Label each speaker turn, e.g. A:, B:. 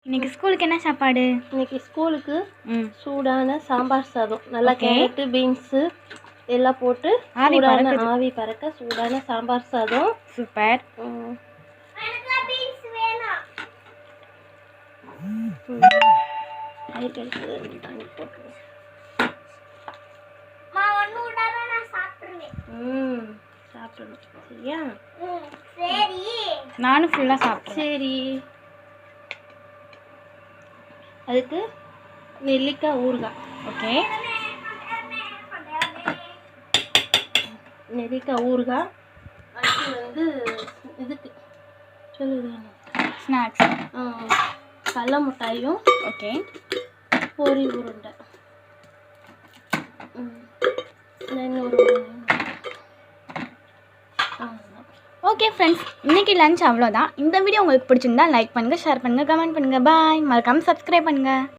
A: இன்னைக்கு ஸ்கூலுக்கு என்ன சாப்பாடு?
B: இன்னைக்கு ஸ்கூலுக்கு சூடான சாம்பார் சாதம், நல்லா கேரட்டு பீன்ஸு எல்லாம் போட்டு சூடான ஆவி பறக்க சூடான சாம்பார் சாதம்.
A: சூப்பர்.
B: சாப்பிடணும் சரியா?
A: நானும் ஃபுல்லாக சாப்பிட்டேன்.
B: சரி, அதுக்கு நெல்லிக்காய் ஊறுகாய்.
A: ஓகே,
B: நெல்லிக்காய் ஊறுகாய். அடுத்து வந்து இதுக்கு சொல்லுது
A: ஸ்நாக்ஸ்.
B: கடல மிட்டாயும்.
A: ஓகே,
B: பொரி உருண்டை. இன்னொரு
A: ஓகே ஃப்ரெண்ட்ஸ், இன்றைக்கி லஞ்ச் அவ்வளோதான். இந்த வீடியோ உங்களுக்கு பிடிச்சிருந்தா லைக் பண்ணுங்கள், ஷேர் பண்ணுங்கள், கமெண்ட் பண்ணுங்கள். பாய். மறக்காமல் சப்ஸ்கிரைப் பண்ணுங்கள்.